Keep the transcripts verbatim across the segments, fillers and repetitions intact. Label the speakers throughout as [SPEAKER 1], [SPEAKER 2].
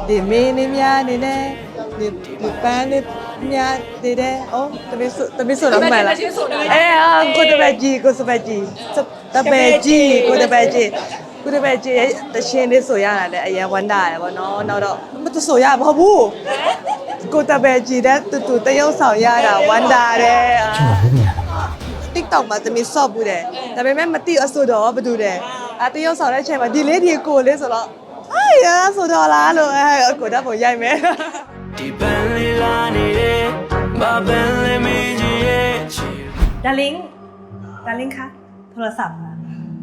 [SPEAKER 1] ဒီမင်းနေများနေနဲ့ဒီဒီပန်းနေများနေတယ်။အော်တမီးဆိုတမီးဆိုတော့မှန်လား။အဲအာကိုတပည့်ကြီးကိုစပည့်ကြီးတပည့်ကြီးကိုတပည့်ကြီးကိုတပည့်ကြီးတရှင်လေးဆိုရတာလည်းအရင်ဝမ်းတာရယ်ပေါ့နော်။နောက်တော့မတဆိုရမဟုတ်ဘူး။ကိုတပည့်ကြီးတဲ့တူတူတရုပ်ဆောင်ရတာဝမ်းတာတယ်။ TikTok မှာတမီးဆော့ဘူးတယ်။ဒါပေမဲ့မသိအဆိုတော့ဘာတူတယ်။အဲတရုပ်ဆောင်တဲ့အချိန်မှာဒီလေးဒီကိုလေးဆိုတော့哎呀，说到哪了？哎，过得不远没？
[SPEAKER 2] ဒီပန်းလေးလာနေတယ်ဘာပန်းလေးမင်းကြီးရဲ့ချီ
[SPEAKER 3] ดาริงดาริงคะโทรศัพท์มา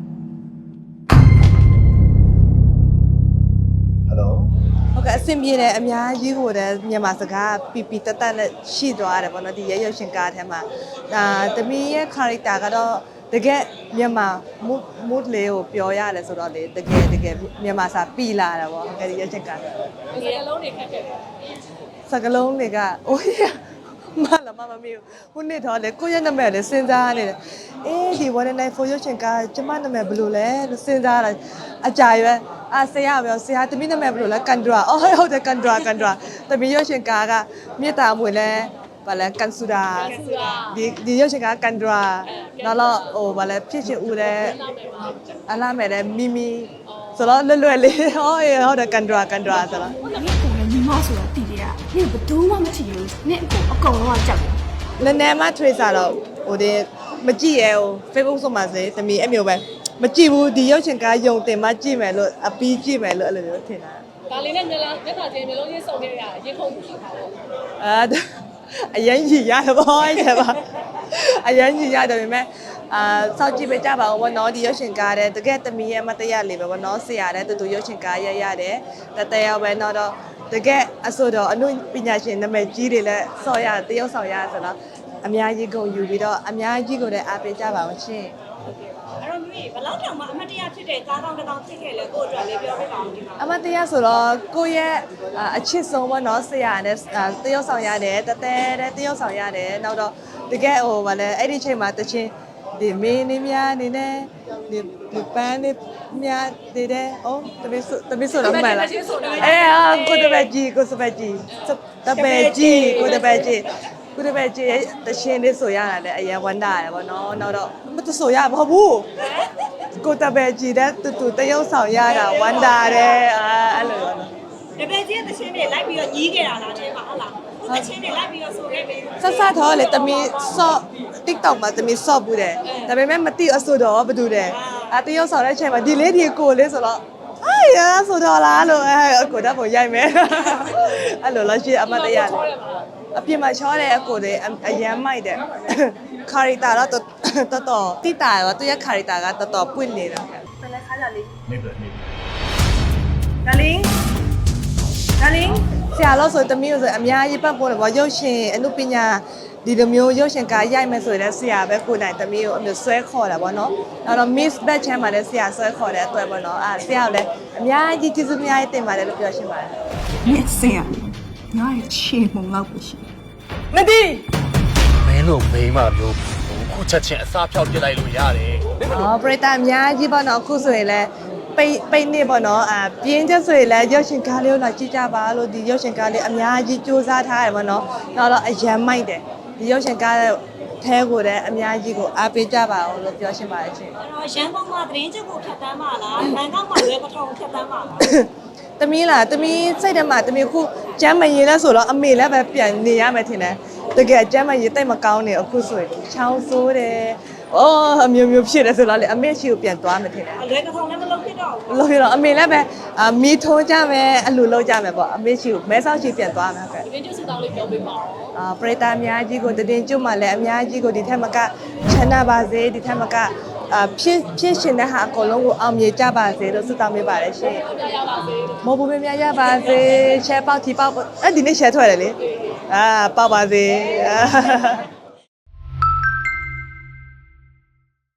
[SPEAKER 4] Hello
[SPEAKER 1] ဟုတ်ကဲ့အဆင်ပြေတယ်အများကြီးဟိုတယ်မြန်မာစကားပီပီတက်တက်နဲ့ရှိသွားတယ်ပေါ့နော်ဒီရဲရုပ်ရှင်ကားထဲမှာဒါတမီးရဲ့ character ကတော့တကယ်မြန်မာ mood mood လေးကိုပြောရတယ်ဆိုတော့လေတကယ်တကယ်မြန်မာစာပြီလာတာပေါ့ဟုတ်ကဲ့ဒီရုပ်ရှင်ကားစကလုံးတွေခက်ခဲ့တယ်စကလုံးတွေကအိုးရမလာမမမီဟိုနေ့တော့လေကိုရဲ့နာမည်လေးစဉ်းစားနေတယ်အေးဒီone night for ရုပ်ရှင်ကားကျမနာမည်ဘယ်လိုလဲလို့စဉ်းစားတာအကြာရွယ်အာဆရာပြောဆရာတမီးနာမည်ဘယ်လိုလဲကန်ဒရာအော်ဟုတ်တယ်ကန်ဒရာကန်ဒရာတမီးရုပ်ရှင်ကားကမြေတာမွေလဲဘာလဲကန်ဆူဒါဒီဒီရုပ်ရှင်ကားကန်ဒရာနောက်တော့ဟိုဘာလဲဖြစ်ချင်ဦးလဲအလားမယ်လဲမီမီဆိုတော့လွယ်လွယ်လေးဟောဟုတ်တယ်ကန်ဒရာကန်ဒရာဆိုတော့
[SPEAKER 5] 你过来你妈说要弟弟啊，你不懂我们去有，你过我讲我讲。
[SPEAKER 1] နည်းနည်းမှထွေးစားတော့ဟိုဒီမကြည့်ရဲဟို Facebook ဆိုမှစေတမီအမျိုးပဲမကြည့်ဘူးဒီရုပ်ရှင်ကားယုံတင်မှကြည့်မယ်လို့အပီးကြည့်မယ်လို့အဲ့လိုမျိုးထင်တာ
[SPEAKER 6] ဒါလေးနဲ့မျက်လုံးမျက်နှာချင်းမျက်လုံးချင်းစုံနေရရင်ခုန်ကြည့်ပါတော့
[SPEAKER 1] အာအရင်ကြီးရတယ်ပေါ့အဲ့ပါအရင်ကြီးရတယ်ပေမဲ့အာစောက်ကြည့်ပေးကြပါဦးဘောနော်ဒီရုပ်ရှင်ကားတဲ့တကယ်တမီရဲ့မတရားလေးပဲဘောနော်ဆရာတဲ့တူတူရုပ်ရှင်ကားရရတယ်တတယောက်ပဲတော့တော့တကယ်အဆိုတော့အနုပညာရှင်နာမည်ကြီးတွေလည်းစော်ရတရုပ်ဆောင်ရဆိုတော့အများကြီးကုန်ယူပြီးတော့အများကြီးကိုလည်းအားပေးကြပါဦးရှင်
[SPEAKER 3] အဲ့တော့မိဘလောက်တောင်မှအမတ်တရားဖြစ်တဲ့ကားကောင်းတစ်ကောင်းဖြစ်ခဲ့လဲကို့အတွက်လေးပြောပြပါဦးဒီမှာ
[SPEAKER 1] အမတရားဆိုတော့ကိုယ့်ရဲ့အချစ်ဆုံးဘောနော်ဆရာနဲ့တရုပ်ဆောင်ရတယ်တတဲတဲ့တရုပ်ဆောင်ရတယ်နောက်တော့တကယ်ဟိုဗာလဲအဲ့ဒီချိန်မှာတချင်းဒီမင်းနေများနေနဲ့ဒီဒီပန်းနေများနေတယ်အော်တပည့်ဆိုတပည့်ဆိုတော့မှန်လားအဲအာကိုတပည့်ကြီးကိုစပည့်ကြီးတပည့်ကြီးကိုတပည့်ကြီးကိုတပည့်ကြီးတချင်းလေးဆိုရတာလည်းအရင်ဝမ်းတာရယ်ပေါ့နော်နောက်တော့မတဆိုရမဟုတ်ဘူးကိုတပည့်ကြီးတဲ့တူတူတရုပ်ဆောင်ရတာဝမ်းတာတယ်အာအဲ့လိုပေါ့နော်
[SPEAKER 3] တပည့်ချင်းတစ်ချင်းတွေလိုက်ပြီးတော့ညီးခဲ့တာလားတဲ့မှာဟုတ်လားကိုတစ်ချင်းတွေလိုက်ပြီးတော့ဆိုခဲ့ပြီ
[SPEAKER 1] ဆက်ဆက်တော့လေတမီဆော့ TikTok မှာတမီဆော့ဘူးတယ်ဒါပေမဲ့မသိအဆိုတော့ဘာတူတယ်အတရုပ်ဆောင်တဲ့အချိန်မှာဒီလေးဒီကိုလေးဆိုတော့အာရဆိုတော့လားလို့အဲအကိုတော့ပုံရိုက်မယ်အဲ့လိုလို့ရှိအမတရားလေအပြင်မှာချောတယ်အကိုတွေအရန်မိုက်တယ်ခါရီတာတော့တော်တော်တိတာရောသူရဲ့ခါရီတာကတော်တော်ပွင့်နေတာ
[SPEAKER 3] เป็นไรคะดาริง
[SPEAKER 4] နေပြီနေပြီ
[SPEAKER 3] ดาริงดาริง
[SPEAKER 1] ဆရာလို့ဆိုတမီးလို့ဆိုအများကြီးပတ်ပေါ်တယ်ဗောရုပ်ရှင်အနုပညာဒီလိုမျိုးရုပ်ရှင်ကားရိုက်မယ်ဆိုရင်ဆရာပဲကိုနိုင်တမီးကိုအမျိုးဆွဲခေါ်တာဗောနော်နောက်တော့ Miss Bat Chan မှာလည်းဆရာဆွဲခေါ်တဲ့အတွက်ဗောနော်အဲဆရာကလည်းအများကြီးကျေးဇူးအများကြီးတင်ပါတယ်လို့ပြောရှင်းပါတယ်
[SPEAKER 5] 你这样，你还切蒙老不行。
[SPEAKER 1] မသိ
[SPEAKER 4] မင်းတို့မိန်းမမျိုးခုချက်ချင်းအစားဖြောက်ပြစ်လိုက်လို့ရတယ်
[SPEAKER 1] အော်ပရိသတ်အများကြီးဗောနော်အခုဆိုရင်လည်းပိတ်ပိတ်နေဗောနော်အာပြင်းချက်ဆိုရင်လည်းရုပ်ရှင်ကားလေးကိုလာကြည့်ကြပါလို့ဒီရုပ်ရှင်ကားလေးအများကြီးစူးစမ်းထားတယ်ဗောနော်နောက်တော့အရန်မိုက်တယ်ဒီရုပ်ရှင်ကားထဲကိုလည်းအများကြီးကိုအားပေးကြပါအောင်လို့ပြောရှင်းပါတယ်ရှင်
[SPEAKER 3] အဲ့တော့ရန်ကုန်မှာသတင်းချုပ်ကိုဖြတ်တန်းပါလားဘန်ကောက်မှာရဲပထုံဖြတ်တန်းပါလား
[SPEAKER 1] တမီးလားတမီးစိတ်ထဲမှာတမီးခုကျမ်းမရင်လဲဆိုတော့အမေလည်းပဲပြန်နေရမယ်ထင်တယ်တကယ်ကျမ်းမရင်တိတ်မကောင်းနေအခုဆိုရင်ချောင်းဆိုးတယ်အော်အမျိုးမျိုးဖြစ်တယ်ဆိုတော့လေအမေရှိကိုပြန်သွားမယ်ထင်တယ်
[SPEAKER 3] အလွဲကထုံလည်းမလုပ်ဖြစ်တော့ဘူး
[SPEAKER 1] လို့ရတော့အမေလည်းပဲအာမီထုံးကြမယ်အလူလုပ်ကြမယ်ပေါ့အမေရှိကိုမဲဆောက်ရှိပြန်သွားမယ်ပဲ
[SPEAKER 6] ဒီနေ့ကျစတောင်းလေးပြောပေးပါဦး
[SPEAKER 1] အာပရိသတ်အများကြီးကိုတည်င်းကျွတ်မှလည်းအများကြီးကိုဒီထက်မကချမ်းသာပါစေဒီထက်မကအာဖြစ်ဖြစ်ရှင်တဲ့ဟာအကုန်လုံးကိုအောင်မြင်ကြပါစေလို့ဆုတောင်းပေးပါတယ်ရှင်
[SPEAKER 6] ပြရပါစေ
[SPEAKER 1] မဟုတ်ဘူးမများရပါစေရှယ်ပေါက်တီပေါက်အဲ့ဒီနေ့ရှယ်ထွက်တယ်လေအာပေါက်ပါစေ